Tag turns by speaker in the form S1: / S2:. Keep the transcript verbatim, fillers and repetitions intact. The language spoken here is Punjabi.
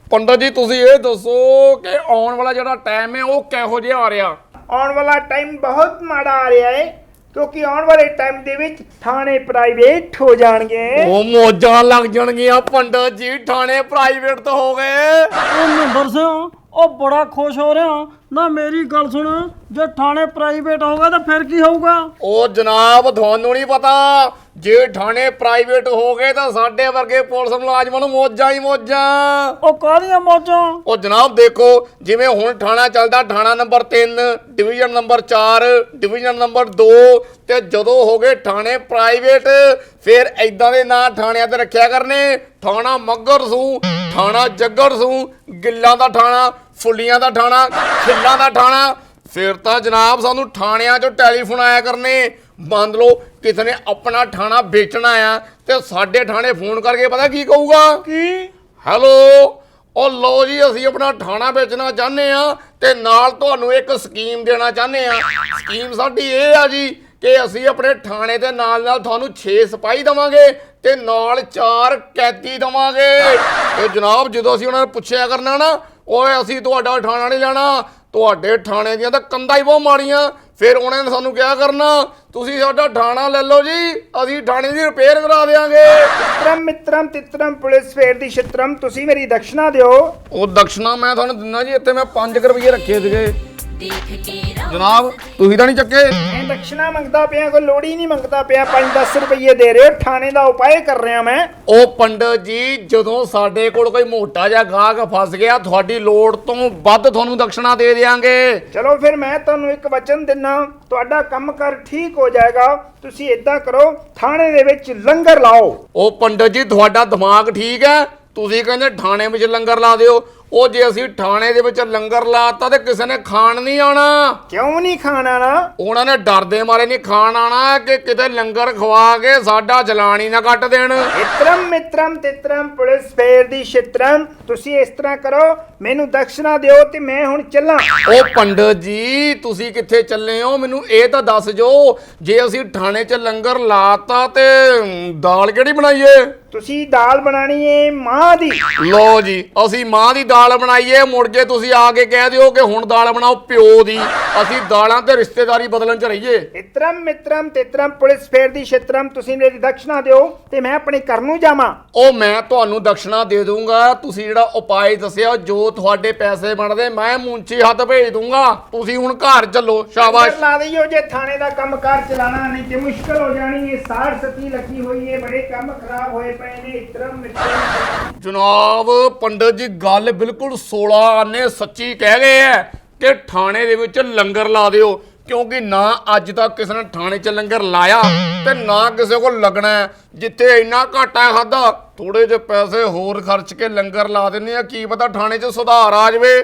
S1: ਪੰਡਤ ਜੀ ਤੁਸੀਂ ਇਹ ਦੱਸੋ ਕਿ ਆਉਣ ਵਾਲਾ ਜਿਹੜਾ ਟਾਈਮ ਹੈ ਉਹ ਕਿਹੋ ਜਿਹਾ ਆ ਰਿਹਾ?
S2: ਆਉਣ ਵਾਲਾ ਟਾਈਮ ਬਹੁਤ ਮਾੜਾ ਆ ਰਿਹਾ ਹੈ ਕਿਉਂਕਿ ਆਉਣ ਵਾਲੇ ਟਾਈਮ ਦੇ ਵਿੱਚ ਥਾਣੇ ਪ੍ਰਾਈਵੇਟ ਹੋ ਜਾਣਗੇ।
S1: ਉਹ ਮੋਜਾਂ ਲੱਗ ਜਾਣਗੀਆਂ ਪੰਡਤ ਜੀ, ਥਾਣੇ ਪ੍ਰਾਈਵੇਟ ਤਾਂ ਹੋ ਗਏ।
S3: ਉਹ ਨੰਬਰ ਸਿਆ ਉਹ ਬੜਾ ਖੁਸ਼ ਹੋ ਰਿਹਾ ਨਾ। ਮੇਰੀ ਗੱਲ ਸੁਣ, ਜੇ ਥਾਣੇ ਪ੍ਰਾਈਵੇਟ ਹੋਗਾ ਤਾਂ ਫਿਰ ਕੀ ਹੋਊਗਾ?
S1: ਉਹ ਜਨਾਬ ਤੁਹਾਨੂੰ ਨਹੀਂ ਪਤਾ, ਜੇ ਥਾਣੇ ਪ੍ਰਾਈਵੇਟ ਹੋ ਗਏ ਤਾਂ ਸਾਡੇ ਵਰਗੇ ਪੁਲਿਸ ਮੁਲਾਜ਼ਮਾਂ ਨੂੰ ਮੋਜਾਂ ਹੀ ਮੋਜਾਂ।
S3: ਉਹ ਕਾਹਦੀਆਂ ਮੌਜਾਂ?
S1: ਉਹ ਜਨਾਬ ਦੇਖੋ, ਜਿਵੇਂ ਹੁਣ ਥਾਣਾ ਚੱਲਦਾ ਥਾਣਾ ਨੰਬਰ ਤਿੰਨ, ਡਿਵੀਜ਼ਨ ਨੰਬਰ ਚਾਰ, ਡਿਵੀਜ਼ਨ ਨੰਬਰ ਦੋ, ਤੇ ਜਦੋਂ ਹੋ ਗਏ ਥਾਣੇ ਪ੍ਰਾਈਵੇਟ ਫਿਰ ਐਦਾਂ ਦੇ ਨਾਂ ਥਾਣਿਆਂ ਤੇ ਰੱਖਿਆ ਕਰਨੇ। ਥਾਣਾ ਮੱਘਰ ਸੂ, ਥਾਣਾ ਜੱਗਰ ਸੂ, ਗਿੱਲਾਂ ਦਾ ਥਾਣਾ, ਫੁੱਲੀਆਂ ਦਾ ਥਾਣਾ, ਖਿੱਲਾਂ ਦਾ ਥਾਣਾ। ਫਿਰ ਤਾਂ ਜਨਾਬ ਸਾਨੂੰ ਥਾਣਿਆਂ 'ਚੋਂ ਟੈਲੀਫੋਨ ਆਇਆ ਕਰਨੇ। ਮੰਨ ਲਓ ਕਿਸੇ ਨੇ ਆਪਣਾ ਥਾਣਾ ਵੇਚਣਾ ਆ ਤੇ ਸਾਡੇ ਥਾਣੇ ਫੋਨ ਕਰਕੇ ਪਤਾ ਕੀ ਕਹੂਗਾ?
S2: ਕੀ?
S1: ਹੈਲੋ, ਉਹ ਲਓ ਜੀ ਅਸੀਂ ਆਪਣਾ ਥਾਣਾ ਵੇਚਣਾ ਚਾਹੁੰਦੇ ਆ ਤੇ ਨਾਲ ਤੁਹਾਨੂੰ ਇੱਕ ਸਕੀਮ ਦੇਣਾ ਚਾਹੁੰਦੇ ਆ। ਸਕੀਮ ਸਾਡੀ ਇਹ ਆ ਜੀ ਕਿ ਅਸੀਂ ਆਪਣੇ ਥਾਣੇ ਦੇ ਨਾਲ ਨਾਲ ਤੁਹਾਨੂੰ ਛੇ ਸਿਪਾਹੀ ਦੇਵਾਂਗੇ ਤੇ ਨਾਲ ਚਾਰ ਕੈਦੀ ਦੇਵਾਂਗੇ। ਤੇ ਜਨਾਬ ਜਦੋਂ ਅਸੀਂ ਉਹਨਾਂ ਨੂੰ ਪੁੱਛਿਆ ਕਰਨਾ ਨਾ, ਓਏ ਅਸੀਂ ਤੁਹਾਡਾ ਥਾਣਾ ਨਹੀਂ ਲੈਣਾ, ਤੁਹਾਡੇ ਥਾਣੇ ਦੀਆਂ ਤਾਂ ਕੰਧਾਂ ਹੀ ਬਹੁਤ ਮਾੜੀਆਂ, ਫਿਰ ਉਹਨਾਂ ਨੇ ਸਾਨੂੰ ਕਿਹਾ ਕਰਨਾ ਤੁਸੀਂ ਸਾਡਾ ਥਾਣਾ ਲੈ ਲਓ ਜੀ, ਅਸੀਂ ਥਾਣੇ ਦੀ ਰਿਪੇਅਰ ਕਰਾ ਦੇਵਾਂਗੇ।
S2: ਮਿੱਤਰਮ ਮਿੱਤਰਮ ਤਿੱਤਰਮ ਪੁਲਿਸ ਫੇਰ ਦੀ ਛਿੱਤਰਮ, ਤੁਸੀਂ ਮੇਰੀ ਦਕਸ਼ਨਾ ਦਿਓ।
S1: ਉਹ ਦਕਸ਼ਨਾ ਮੈਂ ਤੁਹਾਨੂੰ ਦਿੰਦਾ ਜੀ, ਇੱਥੇ ਮੈਂ ਪੰਜ ਰੁਪਏ ਰੱਖੇ ਸੀਗੇ ਜਨਾਬ, ਤੁਸੀਂ ਤਾਂ ਨਹੀਂ ਚੱਕੇ?
S2: ਮੈਂ ਦਕਸ਼ਨਾ ਮੰਗਦਾ ਪਿਆ, ਕੋਈ ਲੋੜ ਹੀ ਨਹੀਂ ਮੰਗਦਾ ਪਿਆ। ਪੰਜ ਦਸ ਰੁਪਏ ਦੇ ਰਹੇ ਹੋ, ਥਾਣੇ ਦਾ ਉਪਾਅ ਕਰ ਰਿਹਾ ਮੈਂ।
S1: ਉਹ ਪੰਡਤ ਜੀ ਜਦੋਂ ਸਾਡੇ ਕੋਲ ਕੋਈ ਮੋਟਾ ਜਿਹਾ ਗਾਹਕ ਫਸ ਗਿਆ, ਤੁਹਾਡੀ ਲੋੜ ਤੋਂ ਵੱਧ ਤੁਹਾਨੂੰ ਦਕਸ਼ਨਾ ਦੇ ਦੇਵਾਂਗੇ।
S2: ਚਲੋ ਫਿਰ ਮੈਂ ਤੁਹਾਨੂੰ ਇੱਕ ਵਚਨ ਦਿੰਨਾ, ਤੁਹਾਡਾ ਕੰਮ ਕਰ ਠੀਕ ਹੋ ਜਾਏਗਾ। ਤੁਸੀਂ ਏਦਾਂ ਕਰੋ, ਥਾਣੇ ਦੇ ਵਿੱਚ ਲੰਗਰ ਲਾਓ।
S1: ਉਹ ਪੰਡਤ ਜੀ ਤੁਹਾਡਾ ਦਿਮਾਗ ਠੀਕ ਹੈ? ਤੁਸੀਂ ਕਹਿੰਦੇ ਥਾਣੇ ਵਿੱਚ ਲੰਗਰ ਲਾ ਦਿਓ। ਉਹ ਜੇ ਅਸੀਂ ਥਾਣੇ ਦੇ ਵਿੱਚ ਲੰਗਰ ਲਾਤਾ ਤੇ ਕਿਸੇ ਨੇ ਖਾਣ ਨਹੀਂ ਆਣਾ।
S2: ਕਿਉਂ ਨਹੀਂ ਖਾਣਾ ਨਾ?
S1: ਉਹਨਾਂ ਨੇ ਡਰਦੇ ਮਾਰੇ ਨਹੀਂ ਖਾਣ ਆਣਾ ਕਿ ਕਿਤੇ ਲੰਗਰ ਖਵਾ ਕੇ ਸਾਡਾ ਚਲਾਨ ਹੀ ਨਾ ਕੱਟ ਦੇਣ।
S2: ਮਿੱਤਰਮ ਮਿੱਤਰਮ ਤਿੱਤਰਮ ਪੁਲਿਸ ਫੇਰ ਦੀ ਛਿੱਤਰਮ, ਤੁਸੀਂ ਇਸ ਤਰ੍ਹਾਂ ਕਰੋ, ਮੈਨੂੰ ਦਕਸ਼ਨਾ ਦਿਓ ਤੇ ਮੈਂ ਹੁਣ ਚੱਲਾਂ।
S1: ਉਹ ਪੰਡਤ ਜੀ ਤੁਸੀਂ ਕਿੱਥੇ ਚੱਲੇ ਹੋ? ਮੈਨੂੰ ਇਹ ਤਾਂ ਦੱਸ ਜੋ, ਜੇ ਅਸੀਂ ਥਾਣੇ 'ਚ ਲੰਗਰ ਲਾਤਾ ਤੇ ਦਾਲ ਕਿਹੜੀ ਬਣਾਈਏ?
S2: ਤੁਸੀਂ ਦਾਲ ਬਣਾਣੀ ਏ ਮਾਂ ਦੀ।
S1: ਲੋ ਜੀ ਅਸੀਂ ਮਾਂ ਦੀ ਦਾਲ ਬਣਾਈਏ, ਮੁੜ ਕੇ ਤੁਸੀਂ ਆ ਕੇ ਕਹਿ ਦਿਓ ਕਿ ਹੁਣ ਦਾਲ ਬਣਾਓ ਪਿਓ ਦੀ। ਅਸੀਂ ਦਾਲਾਂ ਤੇ ਰਿਸ਼ਤੇਦਾਰੀ ਬਦਲਣ 'ਚ ਰਹੀਏ।
S2: ਮਿੱਤਰਮ ਮਿੱਤਰਮ ਤਿੱਤਰਮ ਪੁਲਿਸ ਫੇਰ ਦੀ ਛਿੱਤਰਮ, ਤੁਸੀਂ ਮੇਰੀ ਦਕਸ਼ਨਾ ਦਿਓ ਤੇ ਮੈਂ ਆਪਣੇ ਘਰ ਨੂੰ ਜਾਵਾਂ।
S1: ਉਹ ਮੈਂ ਤੁਹਾਨੂੰ ਦਕਸ਼ਨਾ ਦੇ ਦੂੰਗਾ, ਤੁਸੀਂ ਜਿਹੜਾ ਉਪਾਅ ਦੱਸਿਆ ਜੋ ਤੁਹਾਡੇ ਪੈਸੇ ਬਣਦੇ ਮੈਂ ਮੁੰਚੀ ਹੱਥ ਭੇਜ ਦੂੰਗਾ। ਤੁਸੀਂ ਹੁਣ ਘਰ ਚੱਲੋ, ਸ਼ਾਬਾਸ਼।
S2: ਲਾ ਦਈਓ ਜੇ ਥਾਣੇ ਦਾ ਕੰਮ ਕਾਰ ਚਲਾਣਾ, ਨਹੀਂ ਤੇ ਮੁਸ਼ਕਲ ਹੋ ਜਾਣੀ ਹੈ। ਸਾੜ ਸਤੀ ਲੱਗੀ ਹੋਈ ਹੈ, ਬੜੇ ਕੰਮ ਖਰਾਬ ਹੋਏ ਪਏ ਨੇ। ਮਿੱਤਰਮ ਮਿੱਤਰਮ
S1: ਜਨਾਬ ਪੰਡਤ ਜੀ ਗੱਲ ਬਿਲਕੁਲ ਸੋਲਾਂ ਆਨੇ ਸੱਚੀ ਕਹਿ ਗਏ ਐ ਕਿ ਥਾਣੇ ਦੇ ਵਿੱਚ ਲੰਗਰ ਲਾ ਦਿਓ, ਕਿਉਂਕਿ ਨਾ ਅੱਜ ਤੱਕ ਕਿਸੇ ਨੇ ਥਾਣੇ 'ਚ ਲੰਗਰ ਲਾਇਆ ਤੇ ਨਾ ਕਿਸੇ ਕੋਲ ਲੱਗਣਾ। ਜਿੱਥੇ ਇੰਨਾ ਘਾਟਾ ਖਾਦਾ, ਥੋੜੇ ਜਿਹੇ ਪੈਸੇ ਹੋਰ ਖਰਚ ਕੇ ਲੰਗਰ ਲਾ ਦਿੰਦੇ ਆ, ਕੀ ਪਤਾ ਥਾਣੇ 'ਚ ਸੁਧਾਰ ਆ ਜਾਵੇ।